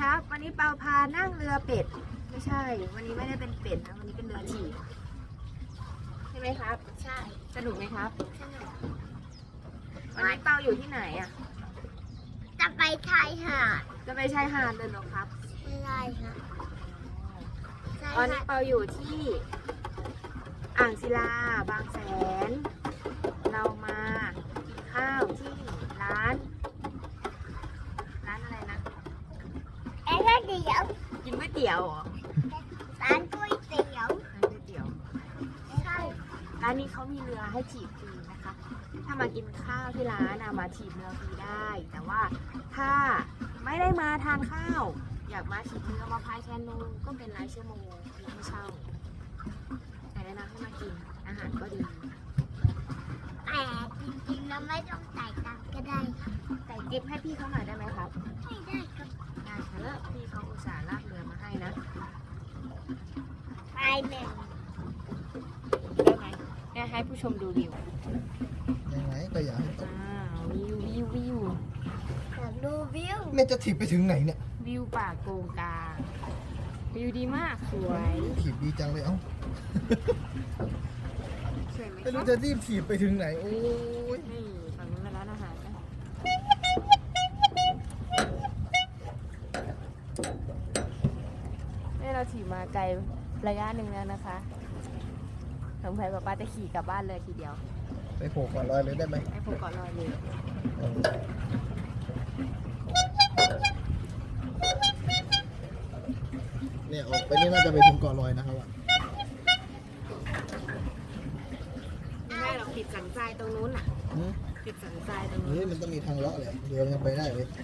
ครับวันนี้เปาพานั่งเรือเป็ดไม่ใช่ วันนี้ไม่ได้เป็นเป็ดนะวันนี้เป็นเรือถีบใช่ไหมครับใช่สนุกไหมครับสนุกวันนี้เปาอยู่ที่ไหนอ่ะจะไปชายหาดจะไปชายหาดเลยเหรอครับไม่ได้ค่ะตอนนี้เปาอยู่ที่อ่างศิลาบางแสนเรามากินข้าวที่ร้านอะไรนะก๋วยเตี๋ยวกินก๋วยเตี๋ยวเหรอร้านก๋วยเตี๋ยวใช่ร้านนี้เขามีเรือให้ถีบฟรีนะคะถ้ามากินข้าวที่ร้านมาถีบเรือฟรีได้แต่ว่าถ้าไม่ได้มาทานข้าวอยากมาถีบเรือมาพายแคนูก็เป็นรายชั่วโมงไม่เช่าแต่แนะนำให้มากินอาหารก็ดีแต่จริงๆแล้วไม่ต้องจ่ายตังค์ก็ได้ค่ะแต่กิฟต์ให้พี่เขาหน่อยได้ไหมครับไม่ได้ครับได้ค่ะแล้วพี่เขาอุตส่าห์ลากเรือมาให้นะไปแม่ได้ไหมเนี่ยให้ผู้ชมดูวิวยังไงก็อยากให้ตกวิวอยากดูวิวแม่จะถีบไปถึงไหนเนี่ยวิวป่าโกงกางวิวดีมากสวยถีบดีจังเลยเอ้าไม่รู้จะรีบถีบไปถึงไหนโอ้ยนี่ฝั่งนู้นแล้วนะคะนี่เราถีบมาไกลระยะหนึ่งแล้วนะคะสงสัยป้าจะขี่กลับบ้านเลยทีเดียวไปโผล่ก่อนลอยเลยได้ไหมไปโผล่ก่อนลอยเลยเนี่ยออกไปนี่น่าจะไปถึงเกาะลอยนะครับว่าไม่ได้เราติดสันทรายตรงนู้นอ่ะติดสันทรายตรงนู้นมันต้องมีทางเลาะเลยเดี๋ยวยังไปได้เลย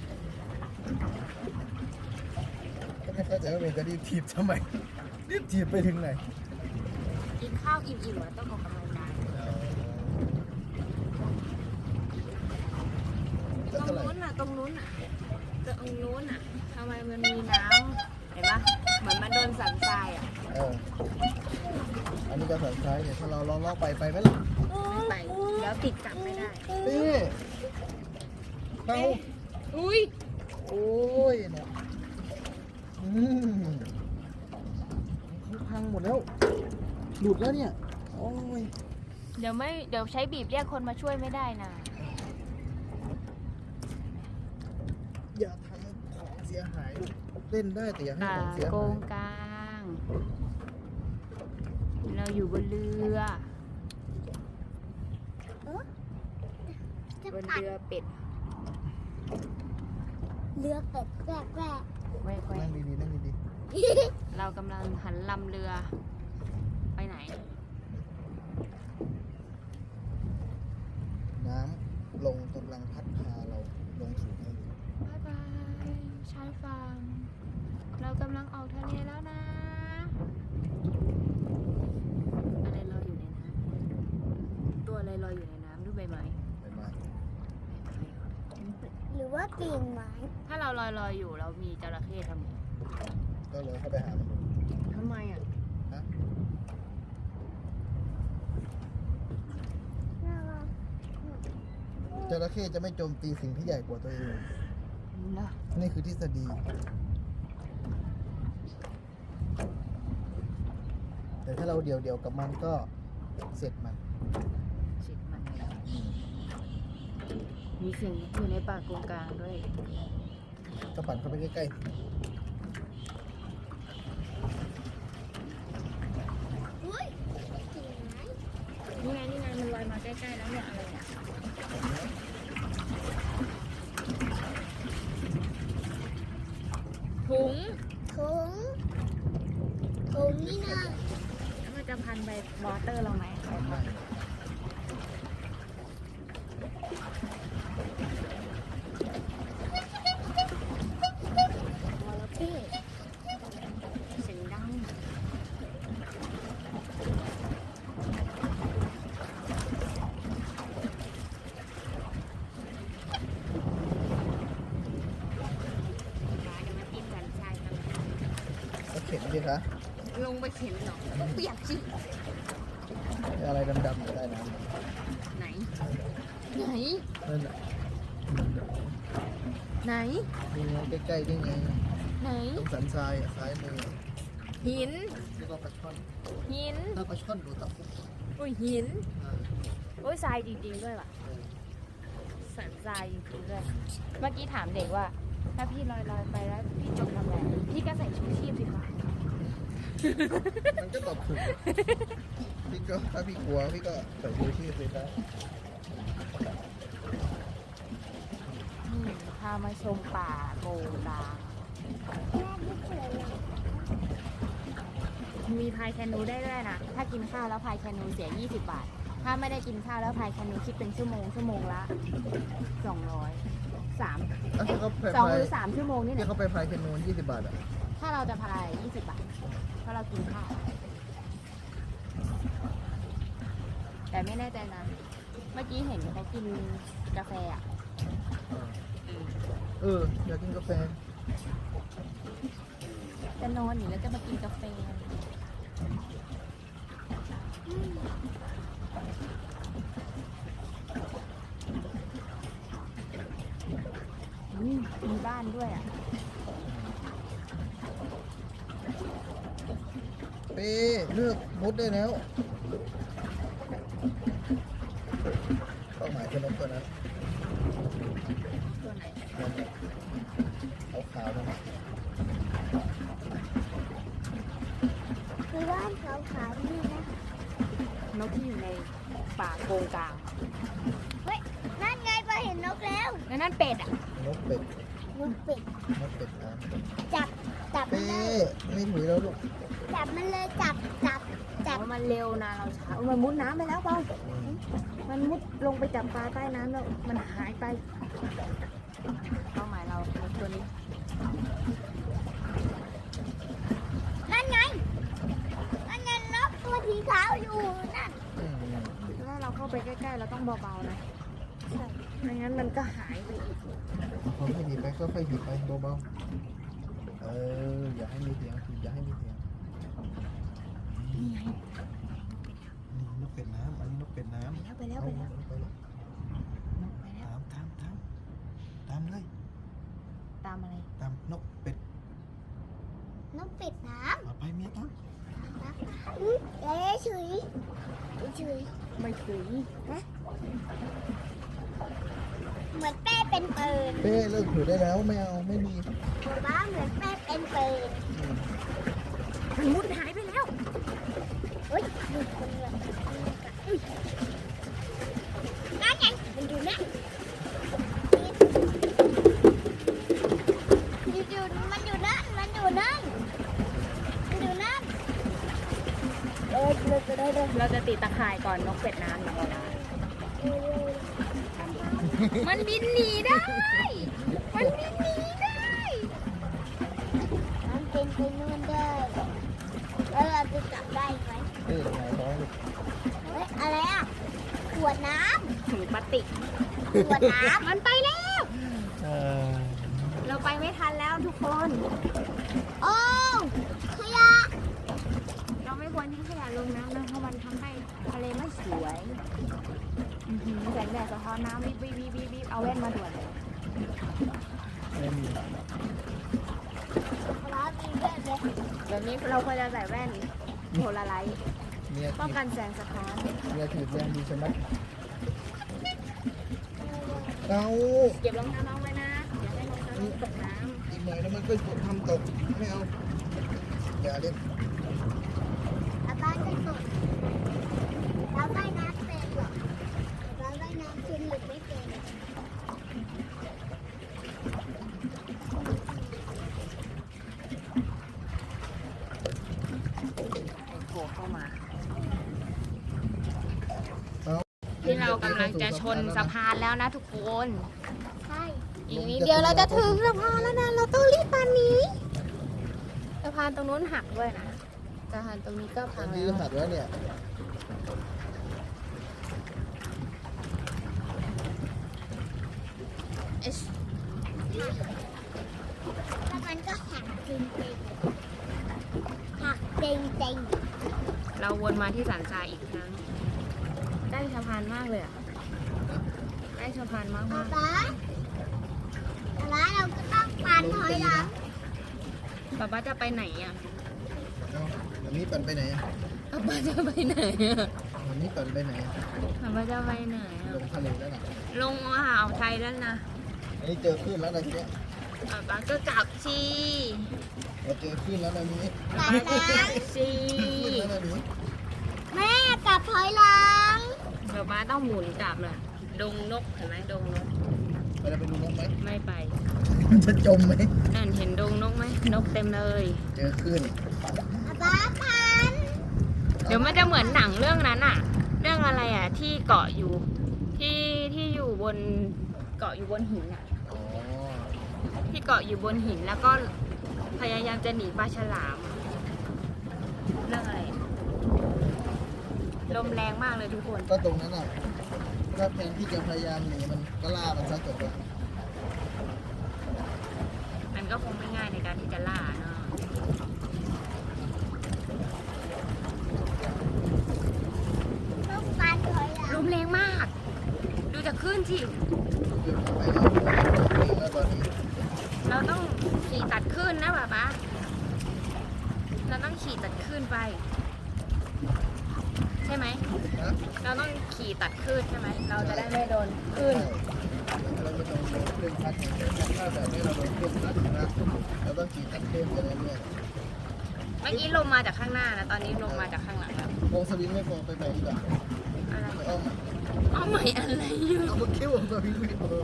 ก็ไม่เข้าใจว่าเมย์จะรีบถีบทำไมรีบถีบไปถึงไหนกินข้าวอิ่มๆแล้วต้องออกกำลังกายตรงนู้นอ่ะทำไมมันมีน้ำเห็นปะเหมือนมันโดนสันทรายอ่ะอันนี้ก็สันทรายเนี่ยถ้าเราลองไปไหมล่ะไม่ไปแล้วติดกลับไม่ได้นี่เอาอุ้ยโอ้ยเนี่ยพังหมดแล้วหลุดแล้วเนี่ยโอ้ยเดี๋ยวใช้บีบเรียกคนมาช่วยไม่ได้นะอย่าทำของเสียหายเล่นได้แต่อย่าให้ของเสียหายโกงกลางเราอยู่บนเรือบนเรือเป็ดแวกนั่งดีเรากำลังหันลำเรือไปไหนน้ำลงกำลังพัดพาเราลงสู่ทะเลบ๊ายบายชายฝั่งเรากำลังออกทะเลแล้วนะอะไรลอยอยู่ในน้ำตัวอะไรลอยอยู่ในน้ำดูใบไม้หรือว่ากิ่งไม้ถ้าเราลอยอยู่เรามีจระเข้ทำไงก็เลยเข้าไปหามันทำไมอ่ะจระเข้จะไม่โจมตีสิ่งที่ใหญ่กว่าตัวเองนี่คือทฤษฎีแต่ถ้าเราเดี่ยวกับมันก็เสร็จมันมีสิ่งอยู่ในป่าโกงกลางด้วยก็ปั่นเข้าไปใกล้ๆนี่ไงมันลอยมาใกล้ๆแล้วเนี่ยอะไรอ่ะถุงนี่นะแล้วมันจะพันใบวอเตอร์เราไหมเสียงดังเข็นดิคะลงไปเข็นเหรอต้องเปียกสิอะไรดำๆอยู่ใต้น้ำไหนนั่นแหละไหนดูใกล้ๆได้ไงไหนตรงสันทรายซ้ายมือหินแล้วก็ปลาช่อนหินถ้าปลาช่อนดูตะคุบอุ้ยหินโอ้ยทรายจริงๆด้วยว่ะสันทรายจริงๆด้วยเมื่อกี้ถามเด็กว่า ถ้าพี่ลอยไปแล้วพี่จมทำไงพี่ก็ใส่ชูชีพสิคะมันก็ตอบถูกพี่ก็ถ้าพี่กลัวพี่ก็ใส่ชูชีพเลยนะพามาชมป่าโกงดางมีพายแคนูได้ด้วยนะ ถ้ากินข้าวแล้วพายแคนูเสีย20 บาท ถ้าไม่ได้กินข้าวแล้วพายแคนูคิดเป็นชั่วโมงละ200 แล้วเขาก็พาย 2 หรือ 3 ชั่วโมงนี่แหที่ละเขาไปพายแคนู20 บาทอ่ะถ้าเราจะพาย20 บาท เพราะเรากินข้าว แต่ไม่แน่ใจนะ เมื่อกี้เห็นเขากินกาแฟอ่ะอยากกินกาแฟจะนอนอยู่แล้วจะมากินกาแฟมีบ้านด้วยอ่ะเป้เลือกมดได้แล้วเป้าหมายคือนกตัวนั้นตัวไหนเอาขาวๆนั่นน่ะคือบ้านขาวๆนี่นะนกที่อยู่ในป่าโกงกลางเฮ้ย นั่นไงพอเห็นนกแล้วแล้วนั่นเป็ดอ่ะนกเป็ดนกเป็ดนกเป็ดนะจับมันเป้เลยไม่ถุยแล้วลูกจับมันเลยจับเพราะมันเร็วนะเราช้ามันมุดน้ำไปแล้วเปล่า มันมุดลงไปจับปลาใต้น้ำแล้วมันหายไปเป้าหมายเราตัวนี้นั่นไงนกตัวสีขาวอยู่นั่นถ้าเราเข้าไปใกล้ๆเราต้องเบาๆนะไม่งั้นมันก็หายไปอีกพอไม่หนีไปก็ค่อยหนีไปเบาๆอย่าให้มีเสียงอย่าให้มีเสียงนี่ไงนี่นกเป็ดน้ำอันนี้นกเป็ดน้ำไปแล้วไปแล้วไปแล้วนกไปแล้วตามเลยตามอะไรตามนกเป็ดนกเป็ดน้เอาไปเมียตามำเอ๊ะฉุยไม่ถึงเหมือนแป้เป็นปืนเป้เลิกถือได้แล้วไม่เอาไม่มีบ้าเหมือนแป้เป็นปืนมันมุดหายไปแล้วเฮ้ยดูคนเลยนั่นไงมันอยู่นั่นมันอยู่นั่นเราจะติดตะข่ายก่อนนกเป็ดน้ำอย่างเรามันบินหนีได้ มันบินหนีได้มันเป็นไปนู่นได้แล้วเราจะจับได้ไหมหงายท้องลูกเฮ้ยอะไรอ่ะขวดน้ถุงพลาสติกำขวดน้มันไปแล้ว เราไปไม่ทันแล้วทุกคนำโอ้ขยะเราไม่ควรทิ้งขยะลงน้ำนะเพราะมันทำให้ทะเลไม่สวยแสงแดดสะท้อนน้ำวิบวิบวิบวิบวิบเอาแว่นมาด่วนเลยไม่มีร้านมีแบบเลยแบบนี้เราควรจะใส่แว่นโพลาไรต์เมียป้องถีบกันแสงสะท้อนเมียถีบแรงดีใช่ไหมเอาเก็บรองเท้าน้องไว้นะอย่าให้รองเท้าน้องตกน้อีกหน่อยแล้วมันก็ทำตกไม่เอาอย่าเล่นอาบ้านจะตกเราว่ายน้ำเป็นเหรอเราว่ายน้ำเป็นหรือไม่เป็นำโผล่เข้ามาเอาที่เรากำลังจะชนสะพานแล้วนะทุกคนใช่อีกนิดเดียวเราจะถึงสะพานแล้วนะ เราต้องรีบปานนี้สะพานตรงนู้นหักด้วยนะสะพานตรงนี้ก็พัอังนนี้แล้วหัดแล้วเนี่ยเอชแล้วมันก็หักจริงๆหักจริงเราวนมาที่สันทรายอีกครั้งใกล้สะพานมากเลยอ่ะใกล้สะพานมากๆมาป๊าก ป๊าเราก็ต้องปั่นถอยหลังป๊าป๊าจะไปไหนอ่ะเอาแบบนี้ปั่นไปไหนอะป๊าป๊าจะไปไหนอ่ะแบบนี้ปั่นไปไหนอะป๊าป๊าจะไปไหนลอ่ะงทะเลแล้วนะลงอ่าวไทยแล้วนะอันนี้เจอคลื่นแล้วนะทีเนี้ยป๊าป๊าก็กลับชีเราเจอคลื่นแล้วนะนี้ป๊าป๊ากลับชีคลื่นแล้วนะนี้แม่กลับถอยหลังป๊าป๊าต้องหมุนกลับเลยดงนกเห็นไหมดงนกเราจะไปดูนกไหมไม่ไปมันจะจมไหมนั่นเห็นดงนกไหมนกเต็มเลยเจอคลื่นป๊าพันเดี๋ยวมันจะเหมือนหนังเรื่องนั้นอ่ะ เรื่องอะไรอ่ะ ที่เกาะอยู่ที่อยู่บนเกาะอยู่บนหินอ่ะอ๋อที่เกาะอยู่บนหินแล้วก็พยายามจะหนีปลาฉลาม เรื่องอะไรลมแรงมากเลยทุกคนก็ตรงนั้นอ่ะถ้าแทนที่จะพยายามหนีมันก็ล่ามันซะจบเลยมันก็คงไม่ง่ายในการที่จะล่าเนาะต้องการถอยหลัลงมแรงมาก ดูจากคลื่นสิขึ้นไปแล้วตอนนี้เราต้องขี่ตัดคลื่นนะป๊าป๊าเราต้องขี่ตัดคลื่นไป ใช่ไหมนะเราต้องขี่ตัดคลื่นใช่ไหม เราจะได้ไม่โดนคลื่นเราไม่ต้องโดนคลื่นพัดอย่างเดียวถ้าแบบนี้เราโดนคลื่นพัดนะเราต้องขี่ตัดคลื่นไปเรื่อยเมื่อกี้ลมมาจากข้างหน้านะ ตอนนี้ลมมาจากข้างหลังแล้วๆวงสวิงไม่พอไปไหนดีกว่าอะไรไปอ้อมเอาใหม่อะไรอยู่เอามาคิ้ววงสวิงไม่พอเลย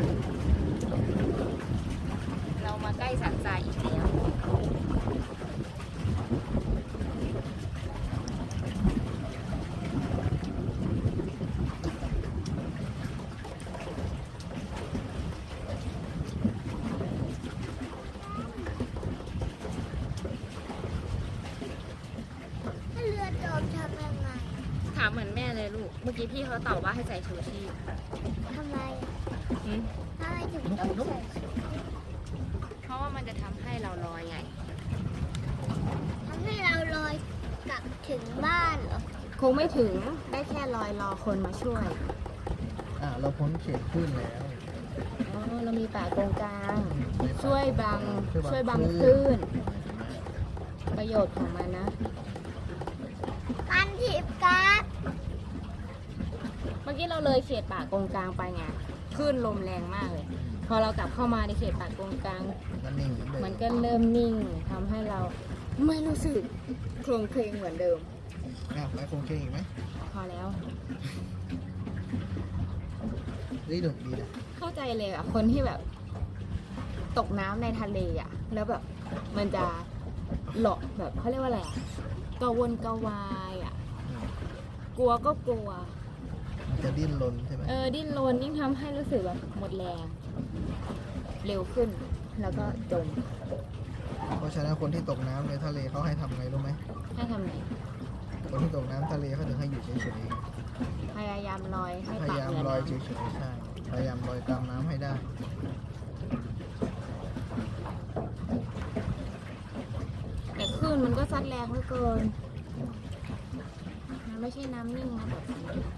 เรามาใกล้สันทรายอีกแล้วถ้าเรือจมทำยังไงถามเหมือนแม่เลยลูก เมื่อกี้พี่เขาตอบว่าให้ใส่ชูชีพทำไมหืมทำไมถึงต้องใส่เพราะว่ามันจะทำให้เราลอยไงทำให้เราลอยกลับถึงบ้านเหรอคงไม่ถึง ได้แค่ลอยรอคนมาช่วยเราพ้นเขตคลื่นแล้วอ๋อ เรามีป่าตรงกลางในป่าช่วยบังช่วยบังคลื่น ประโยชน์ของมันนะการถีบการ์ดเมื่อกี้เราเลยเขตป่ากงกลางไปไงคลื่นลมแรงมากเลย พอเรากลับเข้ามาในเขตป่ากงกลางมันนิ่งเหมือนเดิมันมก็เริ่มนิ่งทำให้เราไม่รู้สึกโครงเคลงเหมือนเดิมไปคงเคงอีกไหมพอแล้วนี่ดุดีนะเข้าใจเลยอ่ะ คนที่แบบตกน้ำในทะเลอ่ะ แล้วแบบมันจะหลอกแบบเขาเรียกว่าอะไรอ่ะกระวนกระวายอ่ะ กลัวก็กลัวมันจะดิ้นรนใช่ไหมดิ้นรนยิ่งทำให้รู้สึกแบบหมดแรง เร็วขึ้น แล้วก็จมเพราะฉะนั้นคนที่ตกน้ำในทะเลเขาให้ทำไงรู้ไหมให้ทำไงคนที่ตกน้ำทะเลเขาถึงให้อยู่เฉยพยายามลอยให้ๆ พปากยายามเหนือลอยน้เฉยๆใช่พยายามลอยตามน้ำให้ได้ำแต่คลื่นมันก็ซัดแรงเหลือเกินมันไม่ใช่น้ำนิ่งนะแบบนี้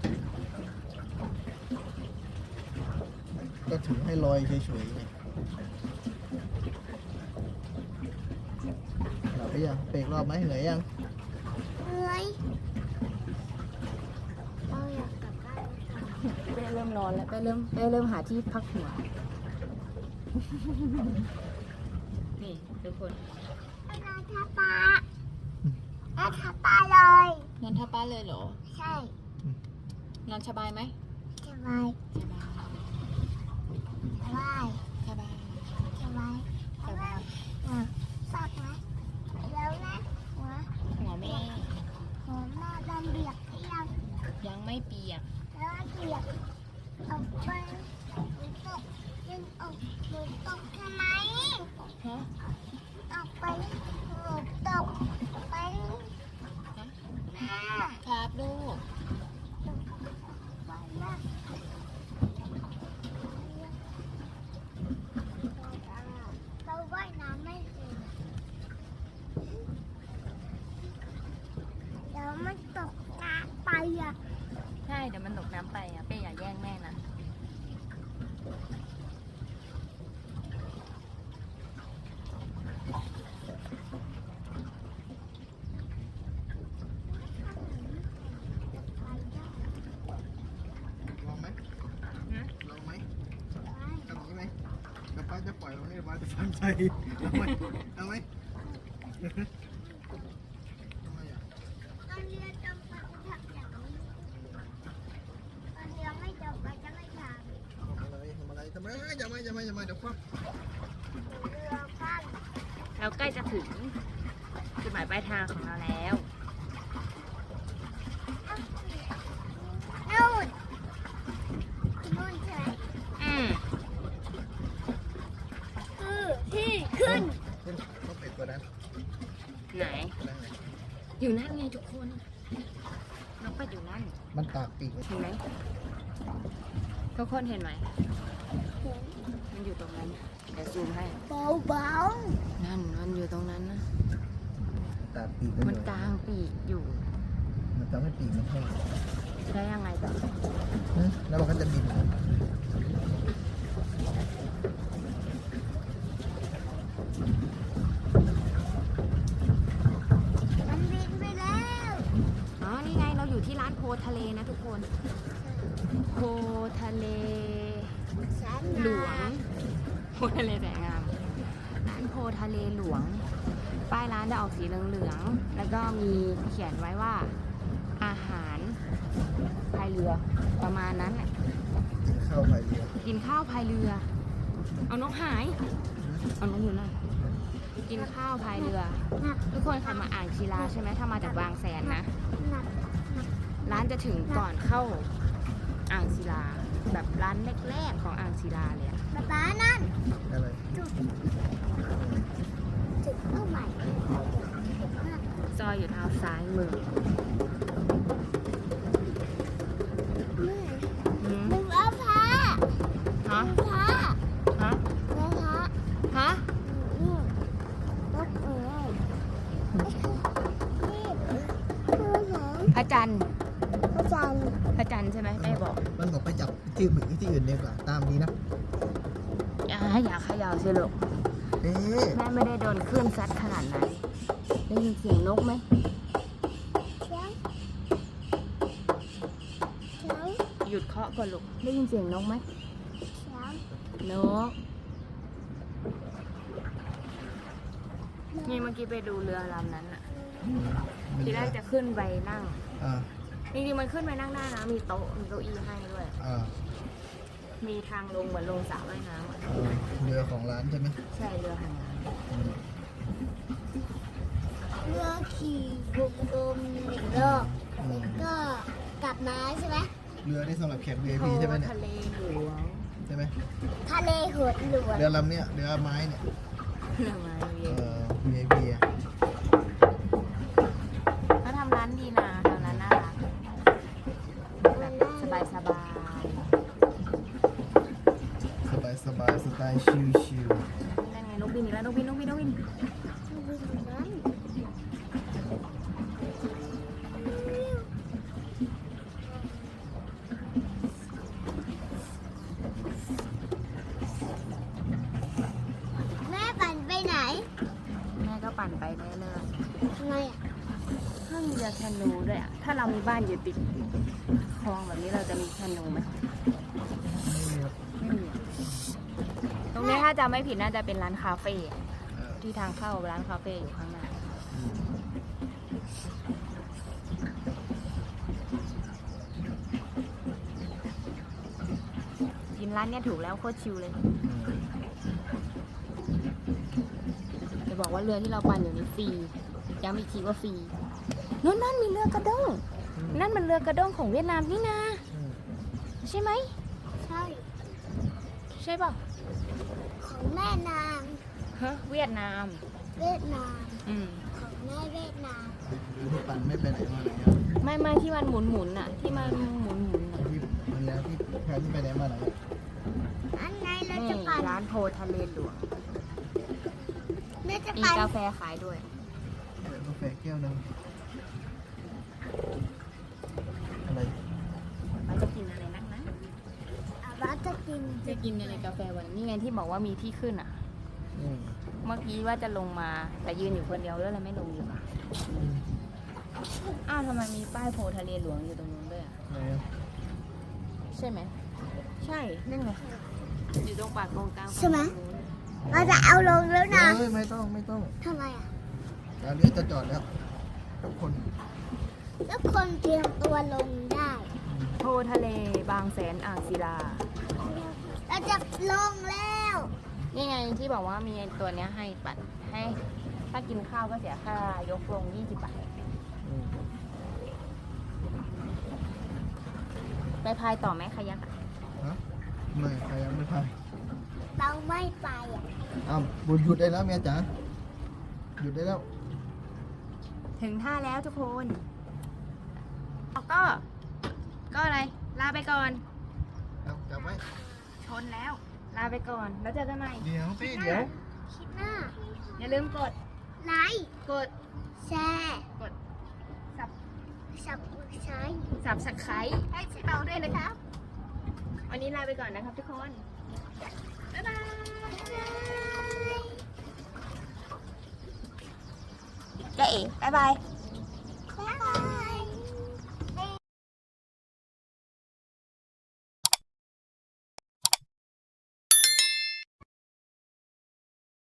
ก็ถึงให้ลอยเฉยๆไงหลับไปยังเบรกรอบไหมเหนื่อยยังเหนื่อยเราอยากกลับบ้านแล้วค่ะเป้เริ่มนอนแล้วเป้เริ่มหาที่พักหัว นี่ทุกคนนอนทับปลานอนทับปลาเลยนอนทับป้าเลยเหรอใช่นอนสบายไหมสบายสบายสบายสบายสบายสบายสักไหมแล้วนะหัวหัวแม่หัวหน้าดำเบียกให้ยังยังไม่เปียกแล้วเบียกออกไปตกยังออกหนูตกทำไมฮะออกไปหนูตกไปแม่ครับลูกไปนะเราว่ายน้ำไม่เป็นเดี๋ยวมันตกน้ำไปอ่ะใช่เดี๋ยวมันตกน้ำไปอ่ะเป้อย่าแย่งแม่นะจะปล่อยเราให้บ้านจะฟันใจเอาไหมเอาไหมทำไมอ่ะตอนเรือจมไปจะทำอย่างนี้ตอนเรือไม่จมไปจะไม่ททำอะไรอย่ามาเดี๋ยวคว่ำำเรือปั้นเราใกล้จะถึงจุดหมายปลายทางของเราแล้วนู่นนู่นใช่ไหมอืมคือที่ขึ้นต้องเป็ดตัวนั้นไหนนั่นไงอยู่นั่นไงทุกคนน้องเป็ดอยู่นั่นมันตากปีกเห็นไหมทุกคนเห็นไหมมันอยู่ตรงนั้นเดี๋ยวซูมให้เบานั่นมันอยู่ตรงนั้นนะตากปีกมันกลางปีกอยู่มันทำให้ปีกมันแห้งได้ยังไงแบบแล้วมันก็จะบินๆมันบินไปแล้วอ๋อนี่ไงเราอยู่ที่ร้านโพทะเลนะทุกคน โพทะเลแสนหลวง โพทะเลแสนงามร้านโพทะเลหลวง ป้ายร้านจะออกสีเหลืองๆแล้วก็มีเขียนไว้ว่าอาหารพายเรือประมาณนั้นแหละเข้าไปเรือกินข้าวพายเรือ เอานกหาย เอานกอยู่นั่นกินข้าวพายเรือหนักทุกคนเคยมาอ่างศิลาใช่ไหมถ้ามาจากบางแสนนะหนักร้านจะถึงก่อนเข้าอ่างศิลา แบบร้านแรกๆของอ่างศิลาเลยอะป๊านั่นอะไรจุดเข้าใหม่ซอยอยู่ทางซ้ายมือเมื่อยหืมมึงเอาพระฮะพระฮะเอาพระฮะนี่รถเอ๋ยนี่คือหนังพระจันทร์พระจันทร์พระจันทร์ใช่ไหมแม่บอกมันบอกไปจับที่อื่นดีกว่าตามนี้นะอย่าเขย่าสิลูกเอ๊ะแม่ไม่ได้โดนคลื่นซัดขนาดนั้นได้ยินเสียงนกไหมเช้าเช้าหยุดเคาะก่อนลูกได้ยินเสียงนกไหมเช้านกนี่เมื่อกี้ไปดูเรือลำนั้นอะทีแรกจะขึ้นไปนั่งอ่าจริงๆมันขึ้นไปนั่งได้นะ มีโต๊ะ มีเก้าอี้ให้ด้วยอ่ามีทางลงเหมือนลงสระว่ายน้ำอะเรือของร้านใช่ไหมใช่เรือหางน้อืมเรือขี่วงกลมหนึ่งรอบอืมก็กลับมาใช่ไหมเรือนี่สำหรับแขกำ VIP ใช่ไหมเนี่ยทะเลหลวงใช่ไหมทะเลหดหลวงเรือลำเนี้ยเรือไม้เนี่ยเรือไม้เวียน VIP อ่ะเขาทำร้านดีนะทำร้านน่ารักแบบสบายสบายสไตล์ชิลๆนั่นไงนกบินอีกแล้วนกบินแม่ปั่นไปไหนแม่ก็ปั่นไปเรื่อยทำไมอ่ะๆถ้ามีเรือแคนูด้วยอ่ะ ถ้าเรามีบ้านอยู่ติดคลองแบบนี้เราจะมีแคนูไหมๆไม่มีครับไม่มีอะตรงนี้ถ้าจะไม่ผิดน่าจะเป็นร้านคาเฟ่เออที่ทางเข้าร้านคาเฟ่อยู่ข้างหน้าอืมกินร้านเนี้ยถูกแล้วโคตรชิลเลย จะบอกว่าเรือที่เราปั่นอยู่นี้ฟรี ย้ำอีกทีว่าฟรีนั่นมีเรือกระด้ง นั่นมันเรือกระด้งของเวียดนามนี่นาอืมใช่ไหมใช่ใช่ป่ะของแม่นางฮะเวียดนามเวียดนามอืมของแม่เวียดนามเรือที่ปั่นไม่ไปไหนมาไหนอ่ะไม่ที่มันหมุนอ่ะ ที่มันหมุนอ่ะที่มันแล้วที่แพนที่ไปไหนมาไหนอะอันไงเรานี่จะปั่นร้านโพทะเลหลวงเราจะมีปั่นกาแฟขายด้วยเดี๋ยวกาแฟแก้วหนึงอะไรมันจะกินอะไรนักนะเราจะกินจะกินอะไรกาแฟวันนี้ไงที่บอกว่ามีที่ขึ้นอ่ะอืมเมื่อกี้ว่าจะลงมาแต่ยืนอยู่คนเดียวแล้วเลยไม่ลงดีกว่าอืมอ้าวทำไมมีป้ายโพทะเลหลวงอยู่ตรงนู้นด้วยอ่ะไหนอะใช่ไหม ใช่นั่นไงอยู่ตรงปากโกงกลางใช่ไหมฝั่งนู้นเราจะเอาลงแล้วนะเฮ้ยไม่ต้องทำไมอ่ะเดี๋ยวเรือจะจอดแล้วทุกคนทุกคนเตรียมตัวลงได้โพทะเลบางแสนอ่างศิลาเราจะลงแล้วนี่ไงที่บอกว่ามีตัวเนี้ยให้ปัดให้ถ้ากินข้าวก็เสียค่ายกลง20 บาท ไปพายต่อไหมคายักอะฮะไม่ใครยังไม่พายเราไม่ไปอ่ะอ้าวบุญหยุดได้แล้วเมียจ๋าหยุดได้แล้วถึงท่าแล้วทุกคนก็อะไร ลาไปก่อนเอาจับไว้ชนแล้ว ลาไปก่อน แล้วเจอกันใหม่เดี๋ยวสิเดี๋ยวคิดหน้าอย่าลืมกดไลค์กดแชร์กดสับใช้ subscribe ให้เราด้วยนะครับ วันนี้ลาไปก่อนนะครับทุกคน บ๊ายบายเจ๊เอ๋บ๊ายบาย